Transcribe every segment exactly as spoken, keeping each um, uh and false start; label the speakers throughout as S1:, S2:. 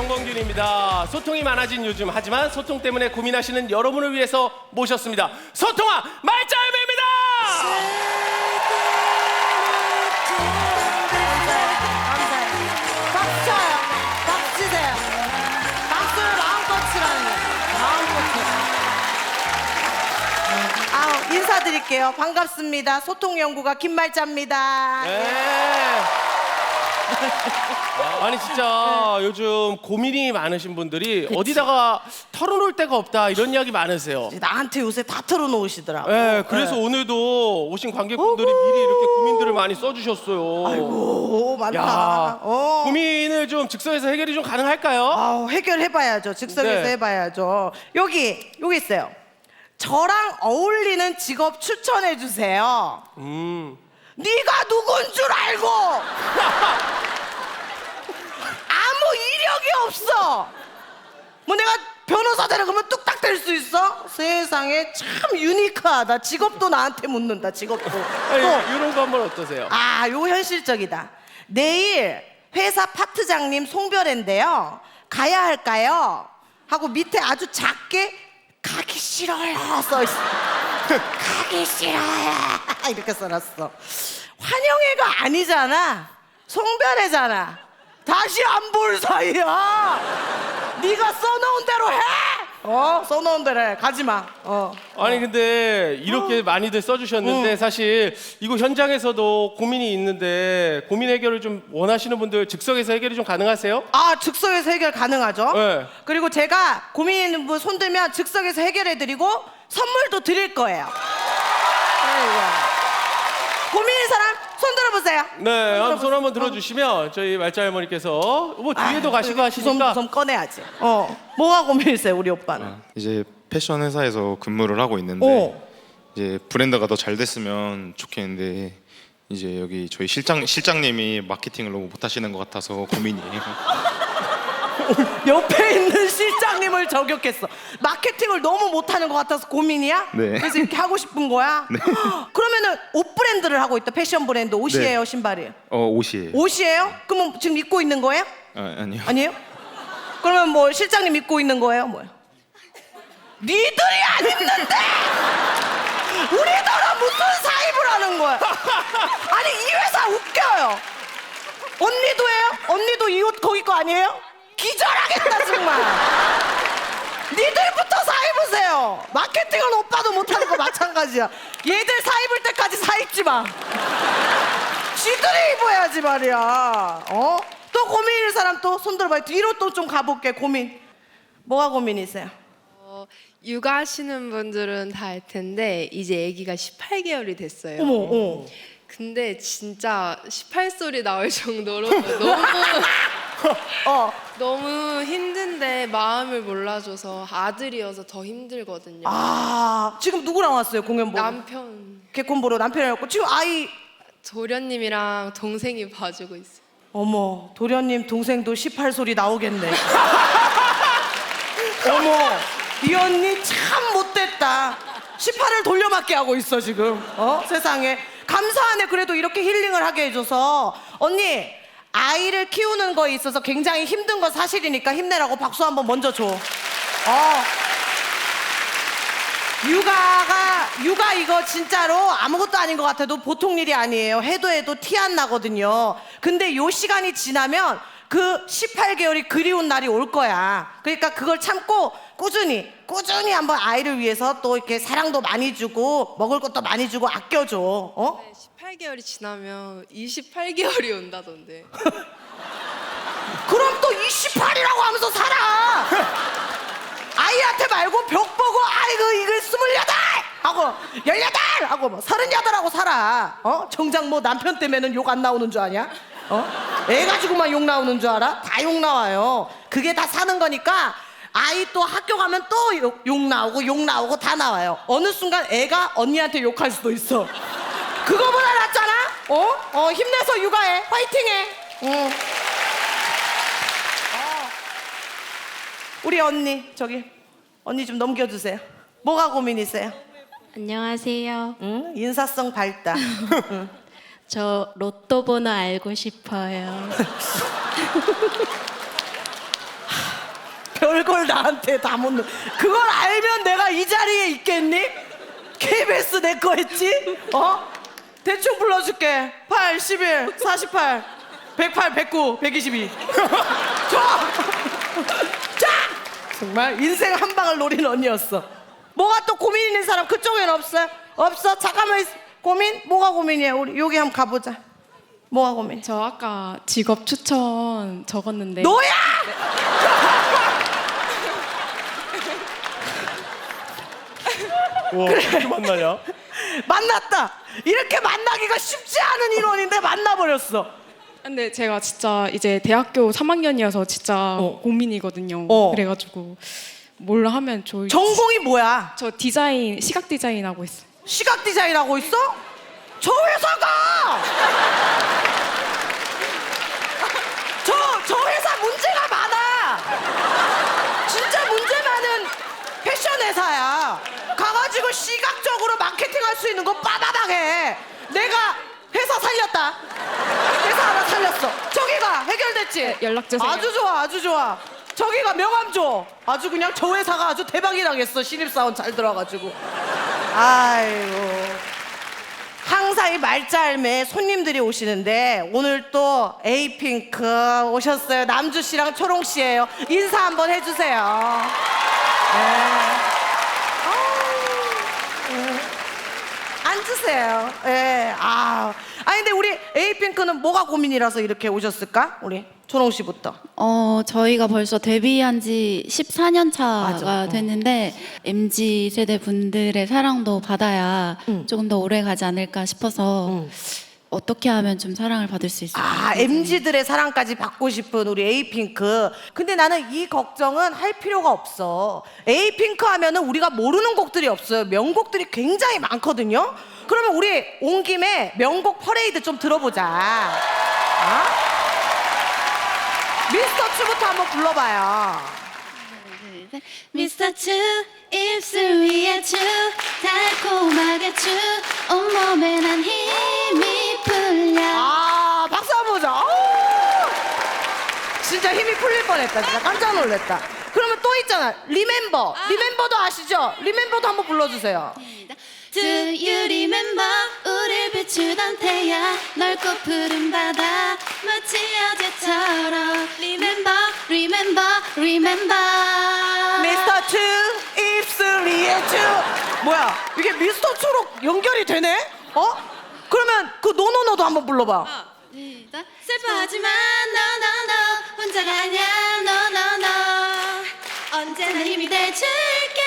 S1: 정범균입니다. 소통이 많아진 요즘, 하지만 소통 때문에 고민하시는 여러분을 위해서 모셨습니다. 소통아 말짱입니다.
S2: 감사해요. 박수 쳐요. 박수 치세요. 박수를 마음껏 치라는 거예요. 마음껏. 아우, 인사드릴게요. 반갑습니다. 소통연구가 김말자입니다.
S1: 네. 아니 진짜 요즘 고민이 많으신 분들이
S2: 그치.
S1: 어디다가 털어놓을 데가 없다 이런 이야기 많으세요.
S2: 나한테 요새 다 털어놓으시더라고.
S1: 네, 그래서
S2: 네.
S1: 오늘도 오신 관객분들이 미리 이렇게 고민들을 많이 써주셨어요.
S2: 아이고, 많다.
S1: 야,
S2: 어.
S1: 고민을 좀 즉석에서 해결이 좀 가능할까요?
S2: 아우, 해결해봐야죠. 즉석에서
S1: 네.
S2: 해봐야죠. 여기, 여기 있어요. 저랑 어울리는 직업 추천해주세요.
S1: 음.
S2: 네가 누군 줄 알고 아무 이력이 없어. 뭐 내가 변호사 되라 그러면 뚝딱 될 수 있어? 세상에 참 유니크하다. 직업도 나한테 묻는다. 직업도.
S1: 아니,
S2: 또,
S1: 이런 거 한번 어떠세요?
S2: 아, 요 현실적이다. 내일 회사 파트장님 송별회인데요. 가야 할까요? 하고 밑에 아주 작게 가기 싫어요 써있어. 가기 싫어요 이렇게 써놨어. 환영회가 아니잖아. 송별회잖아. 다시 안 볼 사이야. 네가 써놓은 대로 해. 어? 써놓은 대로 해. 가지마. 어.
S1: 아니 근데 이렇게 많이들 써주셨는데
S2: 응.
S1: 사실 이거 현장에서도 고민이 있는데 고민 해결을 좀 원하시는 분들 즉석에서 해결이 좀 가능하세요?
S2: 아, 즉석에서 해결 가능하죠.
S1: 네.
S2: 그리고 제가 고민 있는 분 손들면 즉석에서 해결해드리고 선물도 드릴 거예요. 아이고. 고민 있는 사람 손 들어보세요.
S1: 네, 한번 손 한번
S2: 어.
S1: 들어주시면 저희 말자 할머니께서 뭐 뒤에도
S2: 아유,
S1: 가시고 하시니까
S2: 주섬주섬 꺼내야지. 어, 뭐가 고민이세요, 우리 오빠는?
S3: 이제 패션 회사에서 근무를 하고 있는데
S2: 어.
S3: 이제 브랜드가 더 잘 됐으면 좋겠는데 이제 여기 저희 실장 실장님이 마케팅을 너무 못하시는 것 같아서 고민이에요.
S2: 옆에 있는 실장님을 저격했어. 마케팅을 너무 못하는 것 같아서 고민이야?
S3: 네.
S2: 그래서 이렇게 하고 싶은 거야?
S3: 네.
S2: 그러면은 옷 브랜드를 하고 있다. 패션 브랜드. 옷이에요,
S3: 네.
S2: 신발이에요?
S3: 어 옷이에요.
S2: 옷이에요? 그러면 지금 입고 있는 거예요?
S3: 아, 아니요.
S2: 아니에요? 그러면 뭐 실장님 입고 있는 거예요? 뭐예요? 니들이 안 입는데 우리들은 무슨 사입을 하는 거야? 아니 이 회사 웃겨요. 언니도 해요? 언니도 이 옷 거기 거 아니에요? 기절하겠다 정말. 니들부터 사입으세요. 마케팅은 오빠도 못하는 거 마찬가지야. 얘들 사입을 때까지 사입지 마. 지들이 입어야지 말이야. 어? 또 고민일 사람 또 손 들어봐요. 뒤로 또 좀 가볼게. 고민. 뭐가 고민이세요?
S4: 어, 육아하시는 분들은 다 알 텐데 이제 아기가 십팔 개월이 됐어요.
S2: 어머, 어.
S4: 근데 진짜 십팔 소리 나올 정도로 너무
S2: 어.
S4: 너무 힘든데 마음을 몰라줘서 아들이어서 더 힘들거든요.
S2: 아, 지금 누구랑 왔어요? 공연 보러?
S4: 남편
S2: 개콘 보러 남편이었고 지금 아이.
S4: 도련님이랑 동생이 봐주고 있어요.
S2: 어머, 도련님 동생도 십팔 소리 나오겠네. 어머, 이 언니 참 못됐다. 십팔을 돌려막기 하고 있어 지금. 어? 세상에. 감사하네. 그래도 이렇게 힐링을 하게 해줘서. 언니, 아이를 키우는 거에 있어서 굉장히 힘든 건 사실이니까 힘내라고 박수 한번 먼저 줘. 어. 육아가, 육아 이거 진짜로 아무것도 아닌 것 같아도 보통 일이 아니에요. 해도 해도 티 안 나거든요. 근데 요 시간이 지나면 그 십팔 개월이 그리운 날이 올 거야. 그러니까 그걸 참고 꾸준히 꾸준히 한번 아이를 위해서 또 이렇게 사랑도 많이 주고 먹을 것도 많이 주고 아껴줘. 어?
S4: 네, 십팔 개월이 지나면 이십팔 개월이 온다던데.
S2: 그럼 또 이십팔이라고 하면서 살아. 아이한테 말고 벽 보고 아이고 이거 스물여덟 하고 열여덟 하고 뭐 서른여덟 하고 살아. 어? 정작 뭐 남편 때문에는 욕 안 나오는 줄 아냐? 어? 애 가지고만 욕 나오는 줄 알아? 다 욕 나와요. 그게 다 사는 거니까 아이 또 학교 가면 또 욕, 욕 나오고 욕 나오고 다 나와요. 어느 순간 애가 언니한테 욕할 수도 있어. 그거보다 낫잖아? 어? 어, 힘내서 육아해. 화이팅해. 응. 우리 언니 저기 언니 좀 넘겨주세요. 뭐가 고민이세요?
S5: 안녕하세요.
S2: 응? 인사성 밝다. 응.
S5: 저 로또 번호 알고 싶어요.
S2: 별걸 나한테 다 묻는. 그걸 알면 내가 이 자리에 있겠니? 케이비에스 내 거 했지? 어? 대충 불러줄게. 팔, 십일, 사십팔, 백팔, 백구, 백이십이. 좋아! 자! 정말 인생 한 방을 노린 언니였어. 뭐가 또 고민 있는 사람 그쪽엔 없어요? 없어? 잠깐만 있... 고민? 뭐가 고민이야? 우리 여기 한번 가보자. 뭐가 고민?
S6: 저 아까 직업 추천 적었는데
S2: 너야!
S1: 와, 어떻게 만나냐?
S2: 만났다. 이렇게 만나기가 쉽지 않은 인원인데 만나버렸어.
S6: 근데 제가 진짜 이제 대학교 삼 학년이어서 진짜
S2: 어.
S6: 고민이거든요.
S2: 어.
S6: 그래가지고 뭘 하면 좋을지.
S2: 전공이 뭐야?
S6: 저 디자인, 시각 디자인 하고 있어요.
S2: 시각 디자인 하고 있어? 저 회사가 저, 저 회사 문제가 많아. 진짜 문제 많은 패션 회사야. 가가지고 시각적으로 마케팅 할 수 있는 거 빠바닥해. 내가 회사 살렸다. 회사 하나 살렸어. 저기가 해결됐지?
S6: 네, 연락 주세요.
S2: 아주 좋아, 아주 좋아. 저기가 명함 줘. 아주 그냥 저 회사가 아주 대박이 나겠어. 신입사원 잘 들어가지고. 아이고. 항상 이 말짤매 손님들이 오시는데 오늘 또 에이핑크 오셨어요. 남주 씨랑 초롱 씨예요. 인사 한번 해주세요. 네. 아우, 네. 앉으세요. 예. 아. 아니 근데 우리 에이핑크는 뭐가 고민이라서 이렇게 오셨을까? 우리 초롱 씨부터.
S5: 어, 저희가 벌써 데뷔한 지 십사 년 차가
S2: 맞아. 어.
S5: 됐는데 엠지 세대 분들의 사랑도 받아야
S2: 응.
S5: 조금 더 오래 가지 않을까 싶어서
S2: 응.
S5: 어떻게 하면 좀 사랑을 받을 수 있을까?
S2: 아, 엠지들의 사랑까지 받고 싶은 우리 에이핑크. 근데 나는 이 걱정은 할 필요가 없어. 에이핑크 하면은 우리가 모르는 곡들이 없어요. 명곡들이 굉장히 많거든요. 그러면 우리 온 김에 명곡 퍼레이드 좀 들어보자. 어? 미스터 츄부터 한번 불러봐요.
S5: 미스터 츄 입술 위에 츄 달콤하게 츄 온몸에 난 힘이 풀려.
S2: 아, 박수 한번 보자. 오! 진짜 힘이 풀릴 뻔했다. 진짜 깜짝 놀랐다. 그러면 또 있잖아. 리멤버. 리멤버도 아시죠? 리멤버도 한번 불러주세요.
S5: Do you remember 우릴 비추던 태양 넓고 푸른 바다 마치 어제처럼 Remember, remember, remember
S2: 미스터 츄 입술 위에 츄. 뭐야? 이게 미스터 츄로 연결이 되네? 어? 그러면 그 노노노도 한번 불러봐.
S5: 시작. 슬퍼하지만 no no no 혼자가 아니야 no no no 언제나 힘이 돼줄게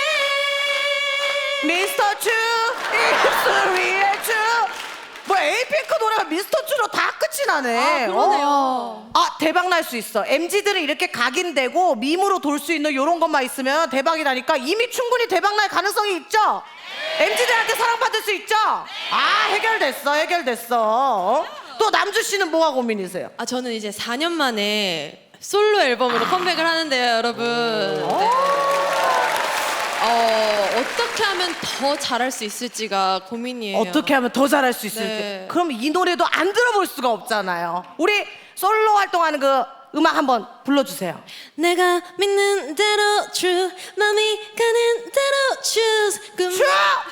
S2: 미스터 츄 입술 위에 츄. 뭐 에이핑크 노래가 미스터 츄로 다 끝이 나네.
S5: 아, 그러네요.
S2: 어. 아, 대박 날 수 있어. 엠지들은 이렇게 각인되고 밈으로 돌 수 있는 이런 것만 있으면 대박이 나니까 이미 충분히 대박 날 가능성이 있죠. 엠지들한테 사랑받을 수 있죠. 아, 해결됐어, 해결됐어. 어? 또 남주 씨는 뭐가 고민이세요?
S7: 아 저는 이제 사 년 만에 솔로 앨범으로 컴백을 하는데요, 여러분. 네. 어 어떻게 하면 더 잘할 수 있을지가 고민이에요.
S2: 어떻게 하면 더 잘할 수 있을지.
S7: 네.
S2: 그럼 이 노래도 안 들어볼 수가 없잖아요. 우리 솔로 활동하는 그 음악 한번 불러주세요.
S7: 내가 믿는 대로 true, 맘이 가는 대로 choose. 그
S2: 츄!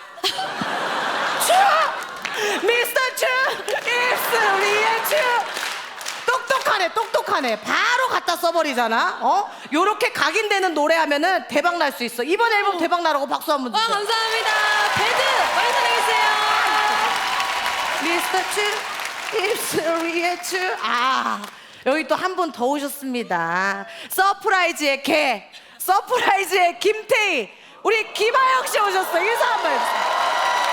S2: 츄! 미스터 츄! 입술 위에 츄! 똑똑하네, 똑똑하네. 바로 갖다 써버리잖아. 어? 요렇게 각인되는 노래하면은 대박 날 수 있어. 이번 앨범 대박 나라고 박수 한번
S7: 와
S2: 주세요.
S7: 감사합니다. 배드 많이 사랑해주세요.
S2: 미스터 츄 입술 위에 츄. 아, 여기 또 한 분 더 오셨습니다. 서프라이즈의 개, 서프라이즈의 김태희, 우리 김하영 씨 오셨어요. 인사 한번 해주세요.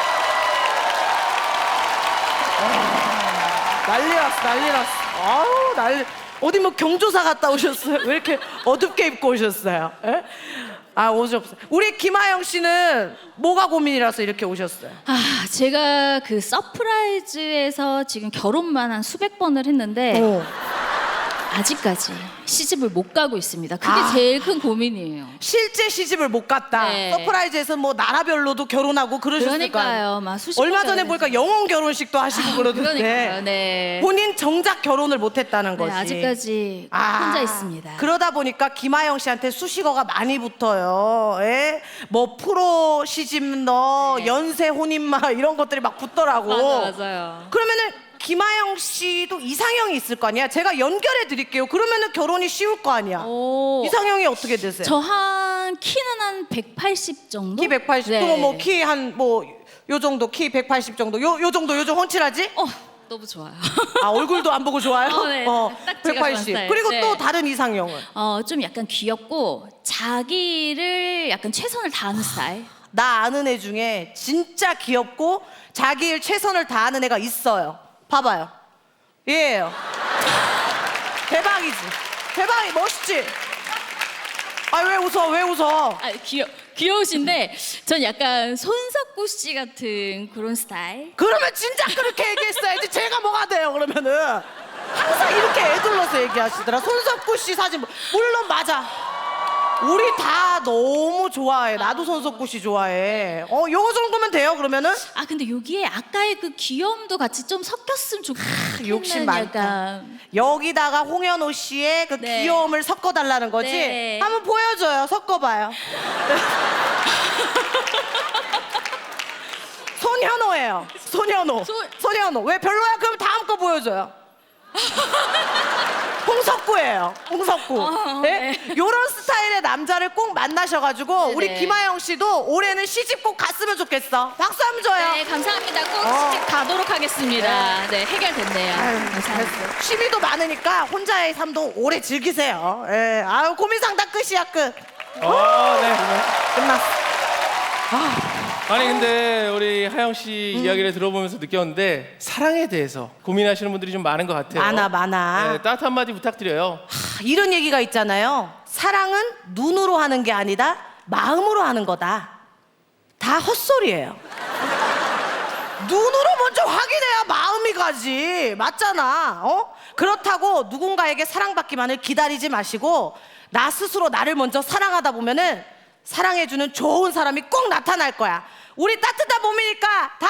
S2: 와, 난리 났어, 난리 났어. 아우, 난리. 어디 뭐 경조사 갔다 오셨어요? 왜 이렇게 어둡게 입고 오셨어요? 에? 아, 오셨어요. 우리 김하영 씨는 뭐가 고민이라서 이렇게 오셨어요?
S8: 아, 제가 그 서프라이즈에서 지금 결혼만 한 수백 번을 했는데
S2: 어.
S8: 아직까지 시집을 못 가고 있습니다. 그게
S2: 아.
S8: 제일 큰 고민이에요.
S2: 실제 시집을 못 갔다.
S8: 네.
S2: 서프라이즈에서 뭐 나라별로도 결혼하고 그러셨을까.
S8: 그러니까요. 막 수십
S2: 얼마
S8: 번
S2: 전에
S8: 결혼해서.
S2: 보니까 영혼 결혼식도 하시고 그러던데.
S8: 그러니까요. 네.
S2: 본인 정작 결혼을 못 했다는
S8: 네,
S2: 거지.
S8: 아직까지
S2: 아,
S8: 혼자 있습니다.
S2: 그러다 보니까 김하영 씨한테 수식어가 많이 붙어요. 예? 뭐 프로 시집 너,
S8: 네.
S2: 연세 혼인마 이런 것들이 막 붙더라고.
S8: 맞아, 맞아요.
S2: 그러면은 김하영 씨도 이상형이 있을 거 아니야? 제가 연결해 드릴게요. 그러면은 결혼이 쉬울 거 아니야.
S8: 오.
S2: 이상형이 어떻게 되세요?
S8: 저 한 키는 한 백팔십 정도?
S2: 키 백팔십.
S8: 네.
S2: 그럼 뭐 키 한 뭐 요 정도 키 백팔십 정도. 요 요 정도 요즘 훤칠하지?
S8: 어, 너무 좋아요.
S2: 아 얼굴도 안 보고 좋아요?
S8: 어, 네. 딱 제가 좋아하는 스타일.
S2: 그리고
S8: 네.
S2: 또 다른 이상형은?
S8: 어, 좀 약간 귀엽고 자기를 약간 최선을 다하는 스타일.
S2: 나 아는 애 중에 진짜 귀엽고 자기 일 최선을 다하는 애가 있어요. 봐봐요. 얘예요. 대박이지. 대박이 멋있지. 아 왜 웃어? 왜 웃어?
S8: 아, 귀여 귀여우신데 전 약간 손석구 씨 같은 그런 스타일.
S2: 그러면 진짜 그렇게 얘기했어야지. 제가 뭐가 돼요? 그러면은 항상 이렇게 애둘러서 얘기하시더라. 손석구 씨 사진 물론 맞아. 우리 다 너무 좋아해. 나도 손석구 씨 좋아해. 어, 요거 정도면 돼요, 그러면은?
S8: 아 근데 여기에 아까의 그 귀여움도 같이 좀 섞였으면 좋겠는
S2: 욕심 많다.
S8: 약간.
S2: 여기다가 홍현호 씨의 그
S8: 네.
S2: 귀여움을 섞어달라는 거지?
S8: 네.
S2: 한번 보여줘요. 섞어봐요. 손현호예요. 손현호.
S8: 손-
S2: 손현호. 왜 별로야? 그럼 다음 거 보여줘요. 홍석구예요. 홍석구.
S8: 어,
S2: 네? 요런 스타일의 남자를 꼭 만나셔가지고
S8: 네네.
S2: 우리 김하영 씨도 올해는 시집 꼭 갔으면 좋겠어. 박수 한번 줘요.
S8: 네 감사합니다. 꼭
S2: 어.
S8: 시집 가도록 하겠습니다. 네, 해결됐네요.
S2: 아유,
S8: 감사합니다.
S2: 됐어. 취미도 많으니까 혼자의 삶도 오래 즐기세요. 예. 아유 고민 상담 끝이야 끝.
S1: 아, 네.
S2: 끝났어.
S1: 아니 근데 우리 하영 씨
S2: 음.
S1: 이야기를 들어보면서 느꼈는데 사랑에 대해서 고민하시는 분들이 좀 많은 것 같아요.
S2: 많아, 많아.
S1: 네, 따뜻한 한마디 부탁드려요.
S2: 하, 이런 얘기가 있잖아요. 사랑은 눈으로 하는 게 아니다. 마음으로 하는 거다. 다 헛소리예요. 눈으로 먼저 확인해야 마음이 가지. 맞잖아. 어? 그렇다고 누군가에게 사랑받기만을 기다리지 마시고 나 스스로 나를 먼저 사랑하다 보면은 사랑해주는 좋은 사람이 꼭 나타날 거야. 우리 따뜻한 몸이니까 다